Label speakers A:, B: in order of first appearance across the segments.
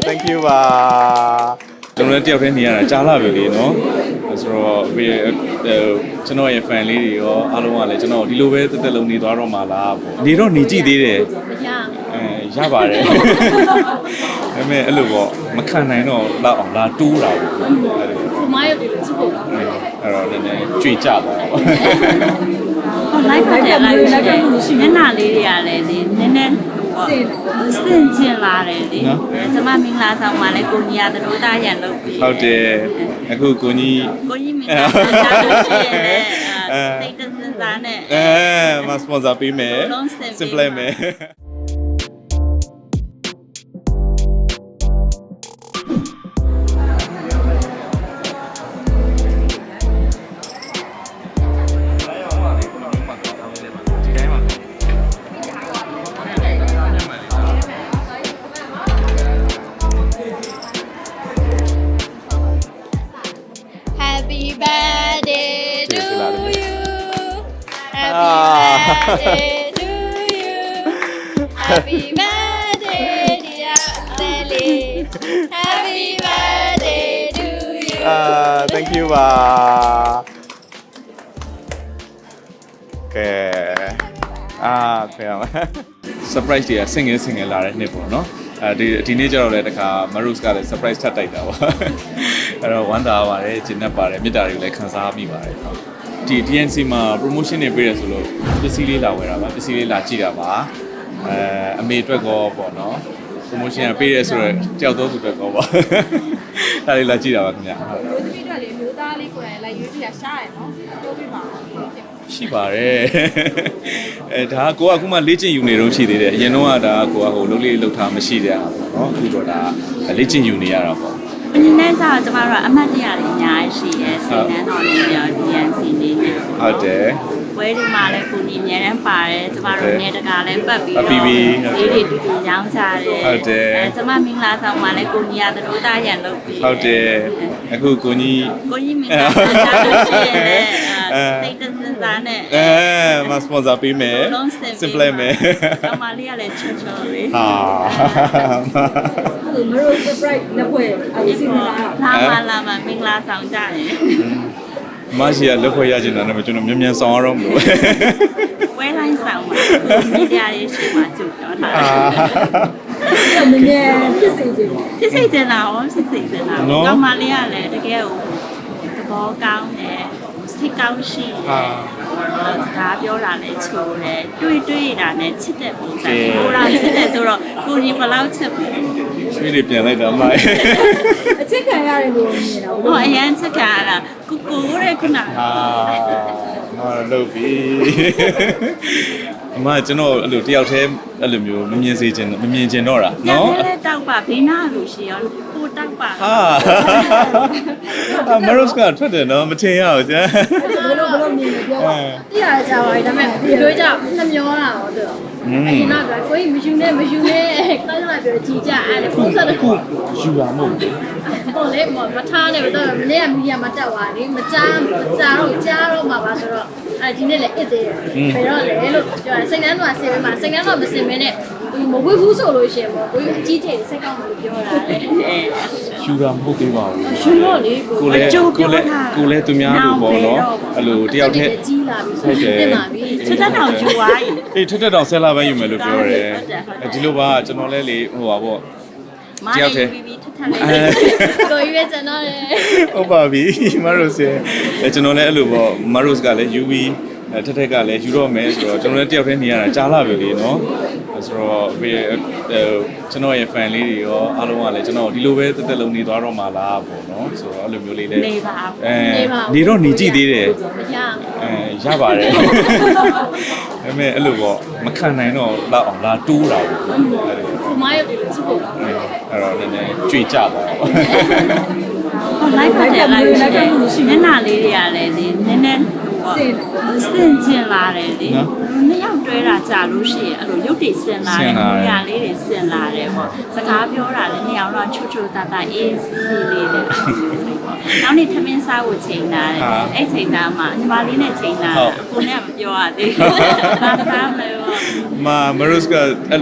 A: thank you ပါကျွန်တော်လည်းတယောက်တည်းနေရတာကြားလာပြီလေနော်ဆိုတော့ကျွန်တော်ရဲ့ fan လေးတွေရောအားလုံးကလည်းကျွန်တော်ဒီလိုပဲတက်တက်လုံးနေသွားတော့မှာလားပေါ့နေတော့နေကြည့်သေးတယ်ရပါတယ်ဒါပေမဲ့အဲ့လိုပေါ့မခံနိုင်တော့လောက်အောင်လာတိုးတာပေါ့
B: မရုပ်တွေလည်းကြည့်ဖို့ကောင်းတယ်
A: အဲ့တော့နည်းနည်းကြွေကြပါတော့
B: လိုက်ပါတယ်လိုက်မျက်နှာလေးတွေကလည်းနည်းနည်းစင်ကျင်လာတယ်လေကျွန်မမင်္ဂလာဆောင်မှာလည်းကိုကြီးရသတို့တာရန်လုပ်ပြီး
A: ဟုတ်တယ်အခုကိုကြီး
B: မင်္ဂလာဆောင်တာလို့ရှိရင်လည်းစိတ်တစင်စားနဲ့
A: မစပွန်ဆာပေးမယ် simple မယ်
B: Happy birthday to you Happy birthday dear Sally Happy birthday to you
A: thank you ပါကဲဖေအောင် surprise တွေက single လာတဲ့နှစ်ပေါ့နော်ဒီနေ့ကျတော့လည်းတခါ Marus ကလည်း surprise ထပ်တိုက်တာပေါ့အဲ့တော့ဝမ်းသာပါတယ်ကျဉ်း납ပါတယ်မေတ္တာတွေကိုလည်းခံစားမိပါတယ်ဒီ DNC မှာ promotion တွေပေးရဆိုလို့ပစ္စည်းလေးလာဝယ်တာပါပစ္စည်းလေးလာကြည့်တာပါအမေအတွက်ကောပေါ့နော် promotion ကပေးရဆိုတော့တယောက်တော့သူအတွက်ကောပါဒါလေးလာကြည့်တာပါခင်ဗျာဟုတ်
B: မျိုးသမီးတွေလည်းမျိုးသားလေးကိုယ်တိုင်လိုက်ရွေးကြည့်တာရှားရယ်နော်တိုးပြပါ
A: ရှိပါတယ်ဒါကကိုကအခုမှလေ့ကျင့်ယူနေတော့ရှိသေးတယ်အရင်တော့ကဒါကိုကဟိုလုံးလေးလှုပ်ထားမရှိတဲ့ဟာပေါ့နော်အခုတော့ဒါလေ့ကျင့်ယူနေရတာပေါ့
B: ဒီနေ့ကျတော့ကျမတို့ကအမှတ်တရတွေအများကြီးရှိရဲစိတ်နှမ်းတော်နေရော DNC နေနေ
A: ဟုတ်တယ်
B: ဝဲဒီမှာလည်းကိုကြီးအများတန်းပါတယ်ကျမတို့နေတကာလည်းပတ်ပြီးတော့ဈေးတွေတူတူရောင်းကြတယ်
A: ဟုတ်တယ်
B: ကျမမင်္ဂလာဆောင်မှာလည်းကိုကြီးရသတို့တာရန်လုပ်ပြီး
A: ဟုတ်တယ်အခုကိုကြီး
B: မင်္ဂလာဆောင်တာလို့ရှိရင်လည်းစိတ်တစင်စားနဲ့
A: မစပွန်ဆာပေးမယ် simple မယ်
B: အမလေးကလည်းချွတ်ချွတ်လေး
C: မရိုး surprise လက်ဖွဲ့အစီအစဉ်
B: လာမင်္ဂလာဆောင်ကြတယ်
A: မရှိရလက်ဖွဲ့ရချင်တာနဲ့ကျွန်တော်မြန်ဆောင်ရတော့မလို့
B: ဝဲတိုင်းဆောင်ပါမီဒီယာရေးရှိမှကြုတ်တော့တာ
C: နည်းနည်းဖြစ်စေချင်
B: လားဟောဖြစ်စေချင်လားကောင်းမလေးကလည်းတကယ်ကိုသဘောကောင်းတယ်စိတ်ကောင်းရှိတယ်စကားပြောတာလည်းချိုးတယ်တွေ့တာနဲ့ချစ်တဲ့ပုံစံကိုရာချစ်တယ်ဆိုတော့ကိုကြီးဘယ်လောက်ချစ်လဲ
A: ဆွေးတွေပြန်လိုက်တာအမ
C: အချစ်ခံရတယ်လို့မြင်တာ
B: ဟောအရန်ချစ်ခံရတာကိုတဲ့ခုန
A: လုပ်ပြီအမကျွန်တော်အဲ့လိုတယောက်တည်းအဲ့လိုမျိုးမမြင်စေချင်မမြင်ချင်တော့တာ
B: နော်တောက်ပါဘေးနာလို့ရှိရောကိုတောက်ပါ
A: မရုစ်ကထွက်တယ်နော်မထင်ရဘူးကြာ
C: ဘလို့မြင်နေပြောပါပြရကြပါပြီဒါပေမဲ့ဒီလိုကြောင့်နှမျောတာတော့တော်အရင်ကကိုကြီးမယူနဲ့တောင်းလာပြောကြည်ကြအဲ့ဒါဖုန်းဆက်တခု
A: ယူတာမဟုတ်ဘူး
C: ဟုတ်လေမထားနဲ့တော့မနေ့ကမီဒီယာမှာတက်သွားတယ်မကြားတော့မှာပါဆိုတော့ဒီနေ့လည်းအစ်သေးတယ်ဘယ်တော့လဲလို့ပြောတယ်စိတ်နှမ်းတော့ဆင်ပေးမှာစိတ်နှမ်းတော့မဆင်မင်းနဲ့မဝေးဘူးဆိုလို့ရှိရင်ပေါ့ကိုကြီးအကြီးကြီးစိတ်ကောင်းလို့ပြောတာလေ
A: ယူတာမဟုတ်သေးပါဘူး
C: ယူတော့လေ
A: ကိုလည်းသူများလို့ပေါ့နော်အဲ့လိုတယောက်တည်း
C: ကြီးလာပြီဆို
A: တင်
B: ပါပြီထက်တောင်ယူသွားပြီ
A: အေးထက်တောင်ဆဲလာပဲယူမယ်လို့ပြောတယ်ဒီလိုပါကျွန်တော်လည်းလေဟိုပါပေါ့
B: တယောက်တည်းကိုကြီးပဲကျွန်တော်လေ
A: ဟုတ်ပါပြီမရိုစ်ကျွန်တော်လည်းအဲ့လိုပေါ့မရိုစ်ကလည်းယူပြီးထက်ကလည်းယူတော့မယ်ဆိုတော့ကျွန်တော်လည်းတယောက်တည်းနေရတာကြားလာပြီလေနော်ဆိုတော့ကျွန်တော်ရဲ့ fan လေးတွေရောအားလုံးကလည်းကျွန်တော်ဒီလိုပဲတက်တက်လုံးနေသွားတော့မှာလားပေါ့နော်ဆိုတော့အဲ့လိုမျိုးလေးလည်း
B: နေပါ
A: နေတော့နေကြည့်သေးတယ်
B: ရ
A: ပါတယ်ဒါပေမဲ့အဲ့လိုပေါ့မခံနိုင်တော့လောက်အောင်လာတိုးတာပေါ့
B: မရုပ်တွေလည်းကြည့်ဖို့ကောင်းတယ်
A: အဲ့တော့နည်းနည်းကြွေကြပါတော့
B: လိုက်ပါတယ်လိုက်မျက်နှာလေးတွေကလည်းနည်းနည်းစင်ကျင်လာတယ်လေနှစ်ယောက်တွဲတာကြာလို့ရှိရင်အဲ့လိုရုပ်တွေစင်လာတယ်ကိုရလေးတွေစင်လာတယ်ပေါ့စကားပြောတာလည်းနှစ်ယောက်တော့ချွတ်ချွတ်တာတာအေးစီလေးတယ်နောက်နေ့ထမင်းစားဖို့ချိန်လာတယ်အဲ့ချိန်သားမှာညီမလေးနဲ့ချိန်လာကိုနဲ့မပြောရသေးဘူးဘာစားမလဲ
A: မရိုစ်ကအဲ့လို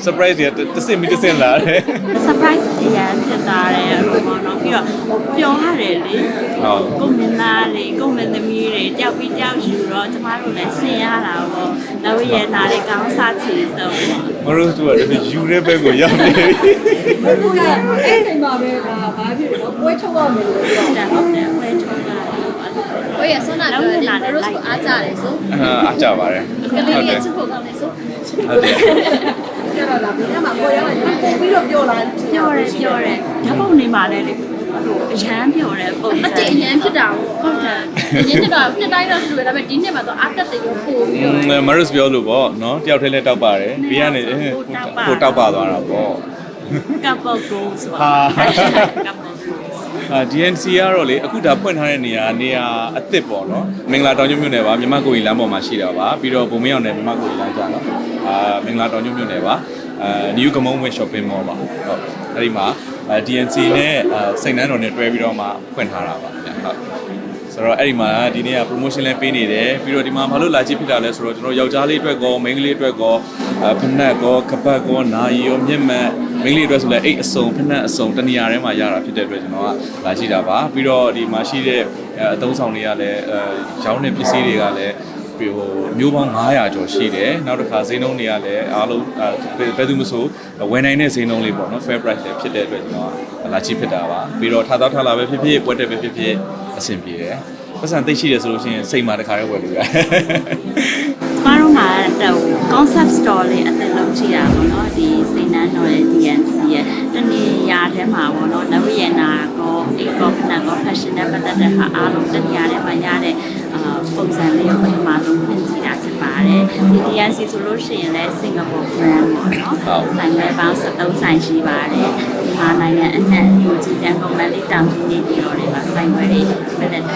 A: surprise တွေတစ်စင်ပြီးတစ်စင်လာတယ်
B: surprise အရန်ဖြစ်သွားတယ်အဲ့လိုပေါ့နော်ပြီးတော့ပျော်ရတယ်လေ
A: ဟုတ်
B: ကိုမင်းသားလေးကိုမင်းသမီးတွေတယောက်ပြီးတယောက်ယူတော့ကျမတို့လည်းဆင်ရတာပေါ့နောက်ရနာလေးကောင်းစားချီဆုံး
A: မရိုးတို့ကတည်းကယူတဲ့ဘက်ကိုရောက်နေပြီ
D: ဘုရားအဲ့ဒီမှာပဲဒါဘာဖြစ်လဲပွဲချုပ်ရမယ်လို့ပြော
B: တယ်ဟုတ်တယ်ဝဲချုံတာ
C: ကိုရဆွမ်းနာပြောတယ်တို့ဆိုအားကြတယ်ဆို
A: အားကြပါတယ်
C: ကလေးရဲ့ချစ်ဖို့ကောင်းတယ်ဆို
A: ဟုတ်တယ်
D: ကျတော့ဒါဘယ်မှာကိုရောက်နေပို့ပြီးတော့ပြောလာ
B: ပြောတယ်ဓာတ်ပုံနေမှာလည်းလေဟိုအရန်ပြောတယ်ပုံ
C: အ
B: စံ
C: တိတ်အရင်ဖြစ်တာဟုတ်တယ်အရင်ဖြစ်တော့နှစ်တိုင်းတော့တူတယ်ဒါပေမဲ့ဒီနှစ်မှာတော့အားတက်တယ်ရောပို့ပြီးတော့
A: မရိုးပြောလို့ပေါ့နော်တယောက်တည်းလဲတောက်ပါတယ်ဘေးကနေကိုတောက်ပါသွားတာပေါ့
B: ကပ်ပေါ့ကိုဆိုတာ ကပ်ပေါ့ကို
A: DNC ကတော့လေအခုဒါဖွင့်ထားတဲ့နေရာအစ်စ်ပေါ့နော်မင်္ဂလာတောင်ကျွန်းမြို့နယ်ပါမြမကိုကြီးလမ်းပေါ်မှာရှိတာပါပြီးတော့ဘုံမင်းအောင်နယ်မြမကိုကြီးလမ်းကြတော့မင်္ဂလာတောင်ကျွန်းမြို့နယ်ပါNew Gamon Win Shopping Mall ပါဟုတ်အဲ့ဒီမှာ DNC နဲ့စိတ်နှမ်းတော်နဲ့တွဲပြီးတော့မှဖွင့်ထားတာပါဗျဟုတ်ဆိုတော့အဲ့ဒီမှာဒီနေ့က promotion လည်းပေးနေတယ်ပြီးတော့ဒီမှာဘာလို့လာကြည့်ဖြစ်တာလဲဆိုတော့ကျွန်တော်ယောက်ျားလေးအတွက်ကောမိန်းကလေးအတွက်ကောဖနက်ကောကပတ်ကောနာရီရောမျက်မှန်မိန်းကလေးအတွက်ဆိုလည်းအိတ်အစုံဖနက်အစုံတနေရာထဲမှာရတာဖြစ်တဲ့အတွက်ကျွန်တော်ကလာကြည့်တာပါပြီးတော့ဒီမှာရှိတဲ့အသုံးဆောင်တွေကလည်းရောင်းတဲ့ပစ္စည်းတွေကလည်းဟိုမျိုးပေါင်း900ကျော်ရှိတယ်နောက်တစ်ခါဈေးနှုန်းတွေကလည်းအားလုံးဘယ်သူမှမဆိုဝယ်နိုင်တဲ့ဈေးနှုန်းလေးပေါ့နော် fair price လည်းဖြစ်တဲ့အတွက်ကျွန်တော်ကလာကြည့်ဖြစ်တာပါပြီးတော့ထားလာပဲဖြစ်ဖြစ်ပွဲတက်ပဲဖြစ်ဖြစ်အဆင်ပြေတယ်ပတ်စံသိရှိတယ်ဆိုလို့ရှိရင်စိတ်မှာတစ်ခါတည်းဝယ်လို့ရတယ်
B: ကျမတို့မှာတော့ concept store လေးအသစ်လုပ်ကြည့်တာပေါ့နော်ဒီစိန်နန်းတော်ရဲ့ DNC ရဲ့တနေရာထဲမှာပေါ့နော်နဝရနာကောအေကောဖနာကော fashion နဲ့ပတ်သက်တဲ့ဟာအားလုံးတနေရာထဲမှာရတဲ့ပုံစံလေးကိုပထမဆုံးဖွင့်ကြည့်တာဖြစ်ပါတယ်ဒီ DNC ဆိုလို့ရှိရင်လည်း Singapore brand ပေါ့နော်ဆိုင်ပဲပေါင်း73ဆိုင်ရှိပါတယ်ဒီမှာနိုင်ငံအနှံ့လူကြီးတန်းကုန်မလေးတောင်ကြီးနေပြည်တော်တွေမှာဆိုင်ခွဲတွေပြည့်တဲ့